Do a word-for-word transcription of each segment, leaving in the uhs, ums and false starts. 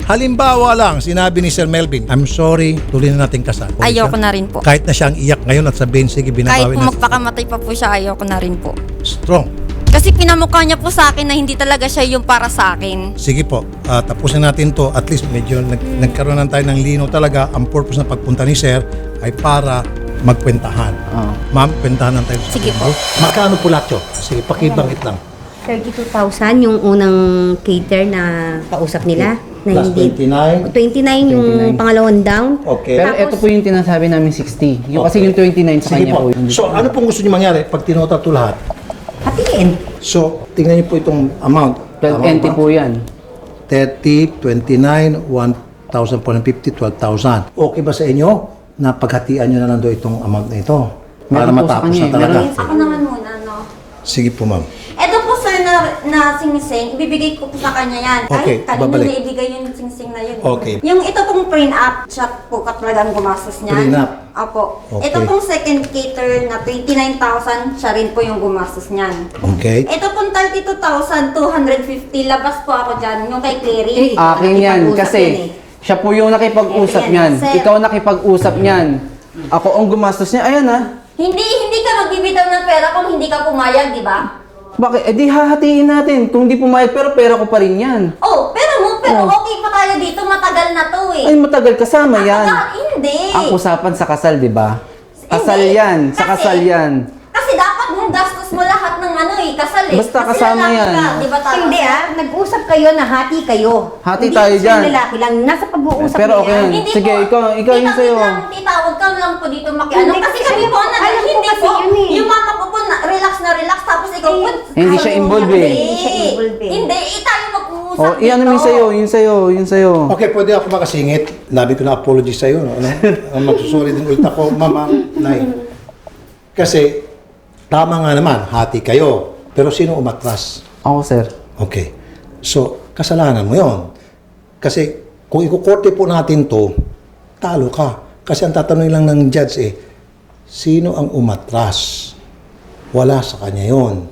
Halimbawa lang, sinabi ni Sir Melvin, I'm sorry, tuloy na natin kasal. Okay Ayoko siya? na rin po. Kahit na siya ang iyak ngayon at sabihin, sige, Kahit binabawi po na. magpakamatay pa po siya, ayoko na rin po. Strong. Kasi pinamukha niya po sa akin na hindi talaga siya yung para sa akin. Sige po, uh, tapusin natin to. At least medyo nag- nagkaroon na tayo ng lino talaga. Ang purpose ng pagpunta ni Sir ay para magkwentahan. Oo. Ma'am, kwentahan na tayo. Sige po. Magkano po lahat yun? Sige, pakibangit lang. thirty-two thousand yung unang cater na kausap nila. Na Plus hindi, twenty-nine. twenty-nine yung twenty-nine. pangalawang down. Okay. Pero Tapos- ito po yung tinasabi namin sixty. Yung kasi Okay. yung twenty-nine sa Sige kanya po. po. So, ano pong gusto niyo mangyari pag tinota ito lahat? Hatiin. So, tingnan niyo po itong amount. twelve Tama entity ba? po yan. thirty, twenty-nine, one thousand four hundred fifty, twelve thousand. Okay ba sa inyo na paghatian nyo na lang doon itong amount na ito? Para Meron po sa matapos kanya na eh. talaga. Meron. Ako naman muna, no? Sige po, ma'am. Ito po sir na, na singsing, ibibigay ko po sa kanya yan. Okay, Ay, kanina babalik. niya ibigay yung singsing na yun. Okay. Yung ito pong print-up, siya po talagang gumastos niya. Prenup. Apo. Okay. Ito pong second cater na twenty-nine thousand, siya rin po yung gumastos niyan. Okay. Ito pong thirty-two thousand two hundred fifty, labas po ako dyan, yung kay Clary. Eh, Akin yan nakipag-usap kasi yan eh. siya po yung nakipag-usap Ayan, niyan. sir. Ikaw nakipag-usap niyan. Ako ang gumastos niya. Ayan ah. Hindi, hindi ka magbibitaw ng pera kung hindi ka pumayag, di ba? Bakit? Eh di hahatiin natin. Kung di pumayag pero pera ko pa rin yan. Oh, pero mo, pero Oh. okay pa tayo dito, matagal na to eh. Ay matagal kasama yan. Ah, hindi. Ang usapan sa kasal, di ba? Kasal Hindi. yan. Sa Kasi- kasal yan. Kasi dapat mong gastos mo lahat ng ano eh, kasal eh. Basta Kasi kasama lalaki yan. Ka, di ba tayo? Hindi ah, nag-usap kayo na hati kayo. Hati Hindi tayo siya dyan. lalaki lang, nasa pag-uusap Pero nila. okay yan. Hindi Sige, po. ikaw- ikaw yung Titawag sa'yo. lang, titawag ka lang po dito makiano. Hindi, Kasi kasi kami alam po, ko- na, alam ko hindi kasi po. yun eh. Yung mama ko po, na, relax na relax, tapos ikaw po. Hindi siya ayaw involved niya. eh. Hindi. Hindi siya involved eh. Hindi, eh, tayo mag-uusap Oh, iyan naman sa'yo, yun sa'yo, yun sa'yo. Okay, pwede ako makasingit. Labi ko na apology sa iyo. No? Ano? Magsusuri din ulit ako, mama, nay. Kasi, tama nga naman, hati kayo. Pero sino umatras? Ako, sir. Okay. So, kasalanan mo yon. Kasi, kung ikukorte po natin to, talo ka. Kasi ang tatanungin lang ng judge eh, sino ang umatras? Wala sa kanya yon.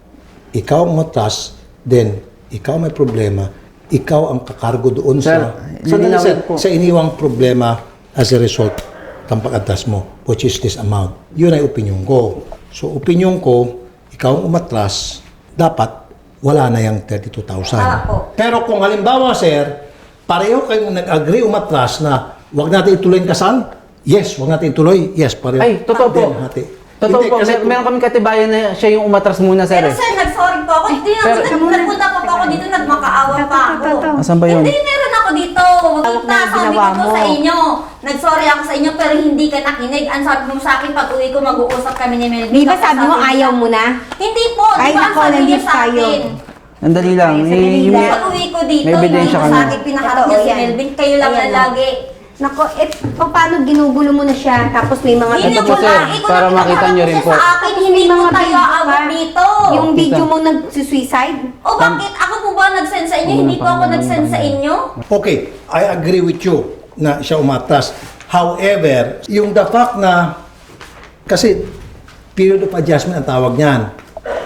Ikaw ang umatras, then, ikaw may problema, ikaw ang kakargo doon Sir, sa... Sandali, lilinawin sir, po. sa iniwang problema as a result ng pag-atras mo, which is this amount. Yun ay opinion ko. So, opinion ko, ikaw ang umatras, dapat wala na yung thirty-two thousand. Tama po. Pero kung halimbawa, sir, pareho kayong nag-agree umatras na wag natin ituloy ang kasal, yes, wag natin ituloy, yes, pareho. Ay, totoo po. Then, hati. Totoo Hindi, po, kasi mer- kung- meron kami katibayan na siya yung umatras muna, sir. Pero eh. sir, nag-sorry po ako. Hindi Pero- ako, nag- nagpunta pa po ako dito, nagmakaawa pa ako. Asan ba yun? Hindi, meron ako dito. Wag Tawag kita, na yung sabi ginawa ko po mo. sa inyo. Nag-sorry ako sa inyo, pero hindi ka nakinig. Ang sabi mo sa akin, pag uwi ko, mag-uusap kami ni Melvin. Di ba Tapos sabi mo niya- ayaw mo na? Hindi po, di Ay, ba ang nako, sabi niya nandito sa tayo. akin? Andali lang. Ay, Eh, sandali yung- lang. Pag uwi ko dito, May hindi ebidensya mo ka sa na. akin pinaharap Totoo niya si yan. Melvin. Kayo lang Ayan, na oh. lagi. Nako, eh, pa- paano ginugulo mo na siya? Tapos may mga Hindi Ito mo po, sir, na, ikaw para na makita pinaharap niyo mo rin siya po. sa akin, hindi mo mga tayo video aawat pa. dito. Yung Tita. video mong nag-suicide? O bakit? Ako po ba nag-send sa inyo? Hindi po ako nag-send sa inyo? Okay, I agree with you na siya umatras. However, yung the fact na, kasi period of adjustment ang tawag niyan.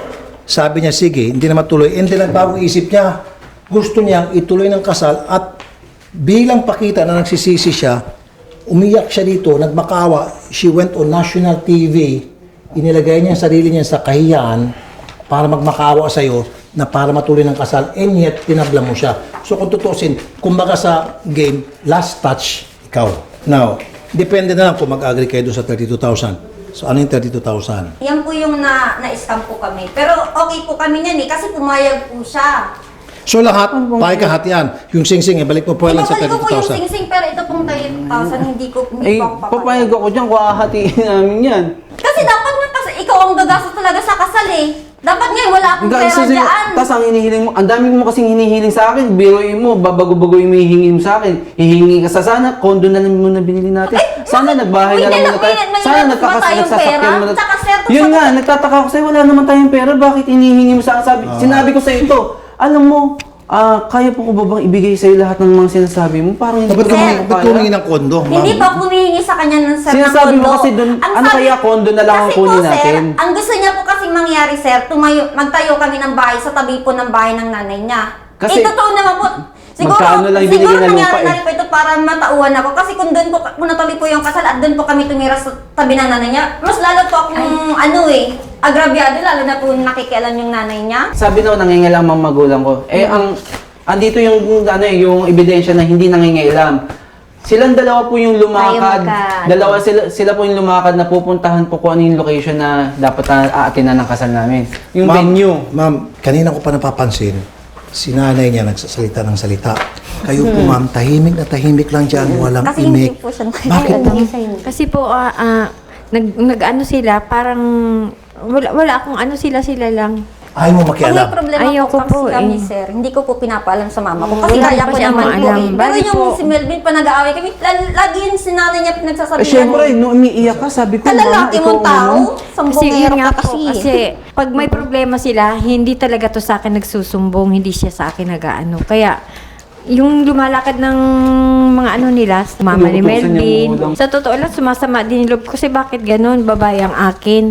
Sabi niya, sige, hindi na matuloy. And then nagbagong isip niya, gusto niyang ituloy ng kasal at bilang pakita na nagsisisi siya, umiyak siya dito, nagmakawa, she went on national T V, inilagay niya ang sarili niya sa kahiyan para magmakawa sa iyo na para matuloy ng kasal, and yet tinabla mo siya. So kung tutusin, kumbaga sa game, last touch, ikaw. Now, depende na lang kung mag-agree kayo doon sa thirty-two thousand. So ano yung thirty-two thousand? Yan po yung na, na-scam po kami. Pero okay po kami niyan eh, kasi pumayag po siya. So lahat, pahay kahatian. Yung sing-sing, eh, balik mo po lang sa Ibabalik ko thirty-two po yung thousand. sing-sing, pero ito pong thirty-two thousand, hindi ko, hindi Eh, po ako papayag ako dyan kung ahatiin namin yan. Kasi dapat nga, kasi ikaw ang gagastos talaga sa kasal eh. Dapat nga, wala akong Guys, pera dyan. Tapos ang hinihiling mo, ang dami mo kasing hinihiling sa akin, biruin mo, babago-bago yung hihingi mo sa akin. Hihingi ka sa sana, kondo na lang muna binili natin. Sana nagbahay na lang muna tayo. Sana nagkakas nagsasakyan mo na. Tsaka sir, Yun nga, nagtataka ako sa'yo, wala naman tayong pera, bakit hinihingi mo sa akin? Sabi, sinabi ko sa'yo ito, alam mo, ah, kaya po ko ba bang ibigay sa'yo lahat ng mga sinasabi mo? Parang hindi Ba't ko ka naman ba't ka kaya. humingi ng kondo? Hindi ma'am? pa ako humihingi sa kanya ng sir Sinasabi ng mo kondo. kasi dun, Ang ano kaya, kondo na lang ang kasi kunin po, natin? Sir, ang gusto niya po kasing mangyari, sir, tumayo, magtayo kami ng bahay sa tabi po ng bahay ng nanay niya. Kasi- eh, totoo naman po. Siguro, Magkano lang siguro binigay na lupa nangyari na eh. rin po ito para matauhan ako. Kasi kung doon po, kung natuloy po yung kasal at doon po kami tumira sa tabi ng nanay niya, mas lalo po akong ano eh, agrabyado, lalo na po nakikialam yung nanay niya. Sabi daw nangingialam ang magulang ko. Eh ang andito yung ano eh, yung ebidensya na hindi nangingialam. Silang dalawa po yung lumakad. Ayaw magka- Dalawa sila sila po yung lumakad na pupuntahan po kung ano yung location na dapat na aatinan ng kasal namin. Yung Ma'am, venue. Ma'am, kanina ko pa napapansin, si nanay niya nagsasalita ng salita. Kayo po ma'am, tahimik na tahimik lang dyan, walang Kasi hindi imik. po siya Bakit po? Kasi po, ah, ah, nag, nag-ano sila, parang wala, wala akong ano sila, sila lang. Ayaw mo Pag may makialam. problema Ayoko po kasi po, kami, eh. sir, hindi ko po pinapaalam sa mama ko. Mm, Kasi wala kaya pa ko siyang naman po maalam. eh. Pero Bali yung po- si Melvin pa nag-aaway kami, la- lagi yun si nanay niya pinagsasabi Eh syempre, nung umiiyak ka, sabi ko, Ang "Mama, lalaki ikaw mong ang tao, ano?" Kasi sambongero yun nga ka po, kasi. kasi pag may problema sila, hindi talaga to sa akin nagsusumbong, hindi siya sa akin nag-ano. Kaya, yung lumalakad ng mga ano nila, mama ni Inuutosan niya Melvin, magulang. sa totoo lang, sumasama din yung loob ko kasi bakit ganun, babae ang akin.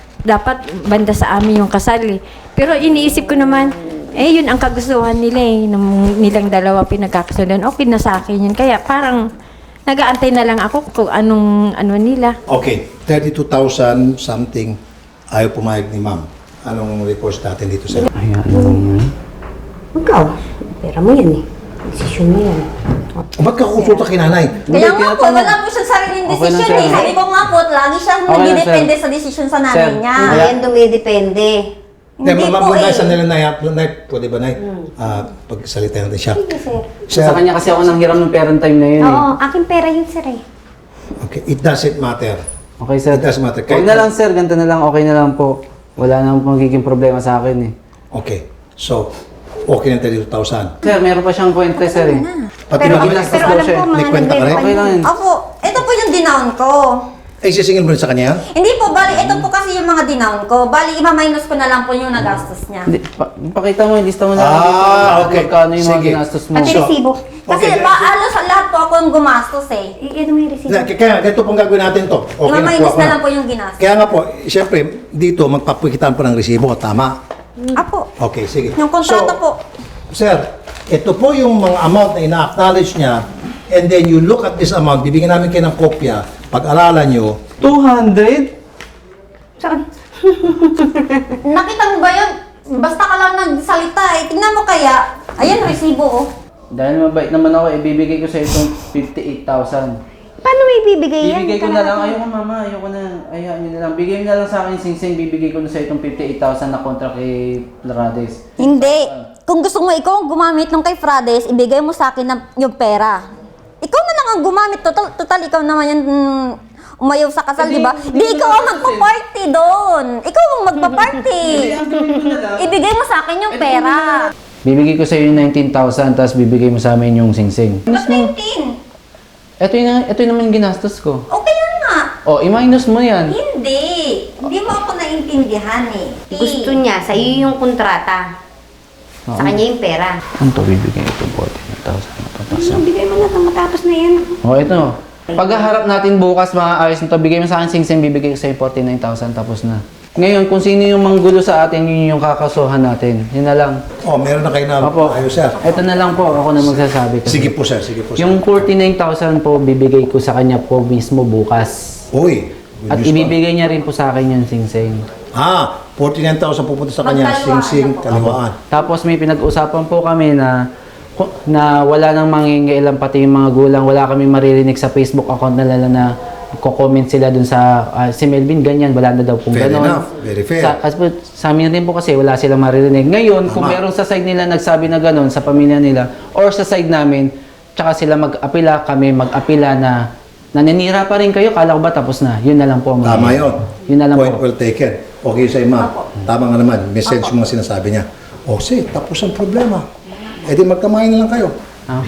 Dapat banda sa amin yung kasal eh. Pero iniisip ko naman, eh yun ang kagustuhan nila eh, ng nilang dalawa pinagkakasundan, okay na sa akin yun. Kaya parang, nag-aantay na lang ako kung anong ano nila. Okay, thirty-two thousand something, ayaw pumayag ni ma'am. Anong reports natin dito sa... Ay, ano naman? Ikaw, pera mo yan eh. Desisyon mo yan. O, ba't ka kukonsulta kay nanay? Kaya Hindi, nga po, tinatanong. wala po siyang sariling Okay lang, desisyon sir. eh. Sabi ko nga po, lagi siyang Okay lang, nagdidepende sir. sa desisyon sa nanay Sir, niya. Hindi Kaya- yan dumidepende. Hindi, Hindi ma'am, po muna eh. sa nila nay, nay, pwede ba nay? Ah, pagsalita natin siya. Sige, sir. Sir, Sa kanya kasi ako nang hiram ng parent time na yun eh. Oo, aking pera yun, sir eh. okay, it doesn't matter. Okay, sir. It doesn't matter. Huwag na lang, sir. Ganito na lang. Okay na lang po. Wala na magiging problema sa akin eh. Okay, so, okay na thirty-two thousand. Sir, meron pa siyang kwenta, sir eh. Pati Pero, mag- ginastos pero daw alam siya ko, eh. May mga kwenta ka rin? nagre-refund Okay lang yun. Opo, ito po yung dinown ko. Eh, sisingil mo rin sa kanya yan? Hindi po, bali, ito po kasi yung mga dinown ko. Bali, ima-minus ko na lang po yung nagastos niya. Hindi, pa- pakita mo, lista mo na. Ah, dito. okay. Magkano yung mga Sige. ginastos mo. Pati So, resibo. Kasi Okay, pa, alos lahat po ako yung gumastos eh. I- Ito mo yung resibo. Na, kaya ganito pong gagawin natin to. Okay na, Ima-minus kuha ko na na. lang po yung ginastos. Kaya nga po, siyempre, dito magpapakitaan po ng resibo, tama? Apo, Okay, sige. yung kontrata So, po. Sir, ito po yung mga amount na ina-acknowledge niya, and then you look at this amount, bibigyan namin kayo ng kopya, pag-aralan nyo, two hundred? Saan? Nakita mo ba yun? Basta ka lang nagsalita eh. Tingnan mo kaya. Ayan, resibo oh. Dahil mabait naman ako, ibibigay ko sa itong fifty-eight thousand. Paano may bibigay yan? Bibigay ko na lang. Ayoko mama, ayoko na. Ayaw nyo na lang. Bigay mo na lang sa akin, Sing-Sing. Bibigay ko na sa itong fifty-eight thousand na kontra kay Larades. Hindi. Kung gusto mo ikaw ang gumamit nung kay Frades, ibigay mo sa akin na yung pera. Ikaw na lang ang gumamit. Total, total ikaw naman yan mm, umayaw sa kasal, di ba? Di ikaw ang magpa-party doon. Ikaw ang magpa-party. Ibigay mo sa akin yung pera. Bibigay ko sa iyo yung nineteen thousand, tapos bibigay mo sa amin yung Sing-Sing. Ba't nineteen? Ito yung, ito yung naman ginastos ko. Okay lang nga. O, i-minus mo yan. Hindi. Hindi mo ako naintindihan eh. Gusto niya, sa iyo yung kontrata. Sa kanya yung pera. Ano to bibigay ito? fourteen thousand. Ano, bigay mo na ito, matapos na yan. O, ito. Paghaharap natin bukas, maayos na to. Bigay mo sa akin, Sing-Sing, bibigay ko sa iyo forty-nine thousand, tapos na. Ngayon, kung sino yung manggulo sa atin, yun yung kakasuhan natin. Yun na lang. oh, meron na kayo na Opo. ayos, sir. Ito na lang po, ako na magsasabi. Kasi. Sige po, sir. Sige po, sir. Yung forty-nine thousand po, bibigay ko sa kanya po mismo bukas. Uy. good At news pa. ibibigay niya rin po sa akin yung Sing-Sing. Ah, forty-nine thousand pupunta sa kanya, Magkaliwaan sing-sing, na po. kaliwaan. Tapos may pinag-usapan po kami na na wala nang mangingialam pati yung mga gulang, wala kami maririnig sa Facebook account na lala na ko-comment sila dun sa ah, si Melvin ganyan, wala na daw pong Fair ganon. enough. Very fair. Sa, kasi po, sa amin rin po kasi wala silang maririnig. Ngayon, kung Tama. meron sa side nila nagsabi na ganon sa pamilya nila or sa side namin, tsaka sila mag-apila, kami mag-apila na naninira pa rin kayo, kala ko ba tapos na? Yun na lang po. ang Tama mangyayari. yun. Yun na lang Point po. well taken. Okay sa'yo, ma'am. Tama nga naman. Message yung mga sinasabi niya. O, sige, tapos ang problema. E di magkamahin na lang kayo. Ah.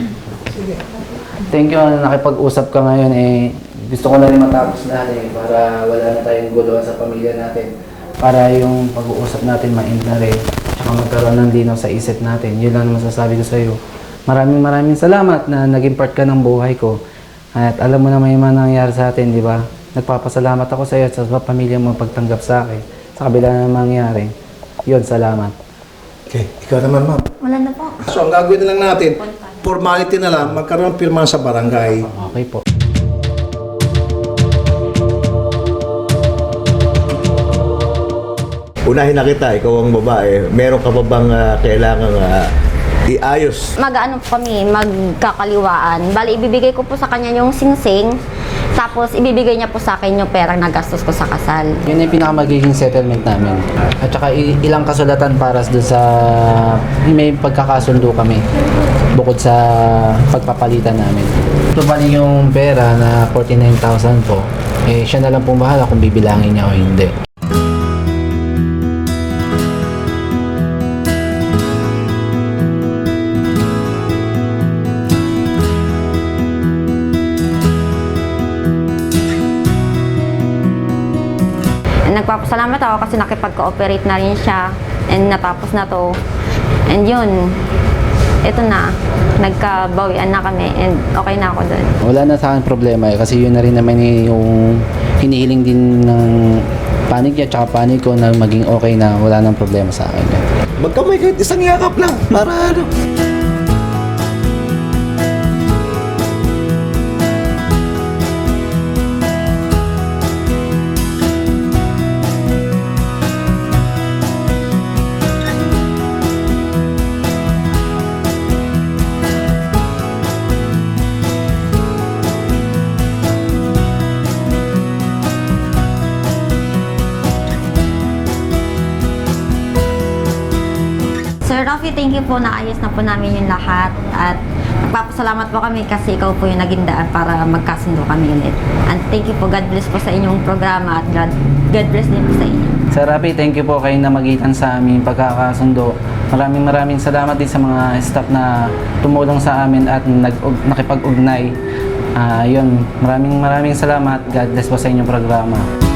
Thank you na nakipag-usap ka ngayon eh. Gusto ko na rin matapos lahat eh para wala na tayong guluhan sa pamilya natin. Para yung pag-uusap natin ma-end na rin. Tsaka magkaroon ng linaw sa isip natin. Yun lang naman masasabi ko sa iyo. Maraming maraming salamat na naging part ka ng buhay ko. At alam mo na may mga nangyari sa atin, di ba? Nagpapasalamat ako sa iyo at sa pamilya mo pagtanggap sa akin. Sa kabila na mangyari. Yun, salamat. Okay, ikaw naman, ma'am. Wala na po. So, ang gagawin na lang natin, formality na lang, magkaroon ng pirma sa barangay. Okay po. Unahin na kita, ikaw ang babae. Meron ka pa bang uh, kailangan uh, iayos? Mag-ano po kami, magkakaliwaan. Bali, ibibigay ko po sa kanya yung singsing, tapos ibibigay niya po sa akin yung perang nagastos ko sa kasal. Yun yung pinakamagiging settlement namin. At saka i- ilang kasulatan para doon sa may pagkakasundo kami bukod sa pagpapalitan namin. So bali yung pera na forty-nine thousand po, eh siya na lang pong bahala kung bibilangin niya o hindi. Nagpapasalamat ako kasi nakipag-cooperate na rin siya and natapos na to. And yun, ito na, nagkabawian na kami and okay na ako doon. Wala na sa akin problema eh, kasi yun na rin naman yung hinihiling din ng panig niya tsaka panig ko na maging okay na wala nang problema sa akin. Magkamay kahit isang yakap lang para ano. Sir Rafi, thank you po, naayos na po namin yung lahat at nagpapasalamat po kami kasi ikaw po yung naging daan para magkasundo kami ulit. And thank you po, God bless po sa inyong programa at God, God bless din po sa inyo. Sir Rafi, thank you po kayo na magitan sa aming pagkakasundo. Maraming maraming salamat din sa mga staff na tumulong sa amin at nag nakipag-ugnay. Ah, yun, maraming maraming salamat. God bless po sa inyong programa.